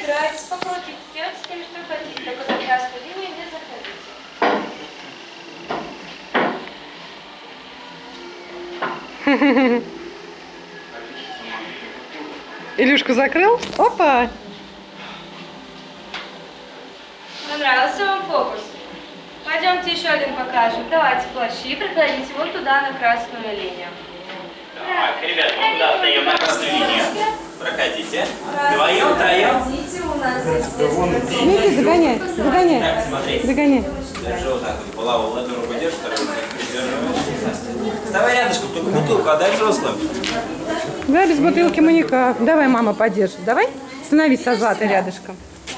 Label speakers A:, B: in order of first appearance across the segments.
A: Старайтесь по кулаки сделать с тем, что хотите. Только за красную линию не заходите.
B: Илюшку закрыл? Опа!
A: Понравился вам фокус? Пойдемте еще один покажем. Давайте плащи, проходите вот туда, на красную линию.
C: Так, ребят, вот туда встаем на красную линию. Проходите. Вдвоем, втроем.
A: Проходите, у нас здесь...
B: Видите, загоняй, загоняй,
C: Так, смотри.
B: загоняй.
C: Держи вот так вот. Булаву в одну руку держишь, вторую руку придерживаешь. Вставай рядышком, только бутылку отдай взрослым.
B: Да, без бутылки мы никак. Давай, мама подержит. Давай. Становись со Златой рядышком.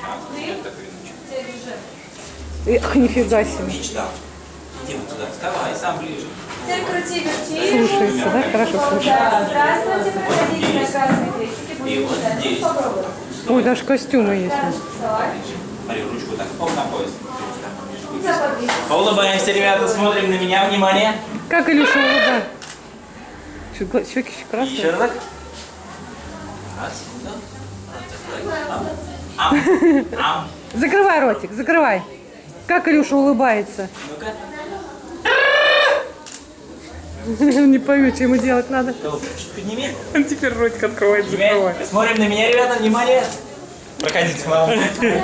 B: Эх, нифига себе.
C: Мечтал. Иди вот сюда, вставай, сам ближе.
A: Теперь крути, верти.
B: Слушается, да? Хорошо слушается.
A: Да, здравствуйте, проходите на красные крестики.
C: И вот здесь.
B: Ой, даже костюмы есть.
C: Смотри, ручку так, оп, на пояс. Улыбаемся, ребята, смотрим на меня, внимание.
B: Как Илюша улыбается? Щеки еще красные.
C: Еще разок. Раз, да. Ам.
B: Закрывай ротик, закрывай. Как Илюша улыбается.
C: Ну-ка.
B: Не пойму, что ему делать надо.
C: Чуть подними.
B: Он теперь ротик открывает, закрывает.
C: Смотрим на меня, ребята, внимание. Проходите, мама.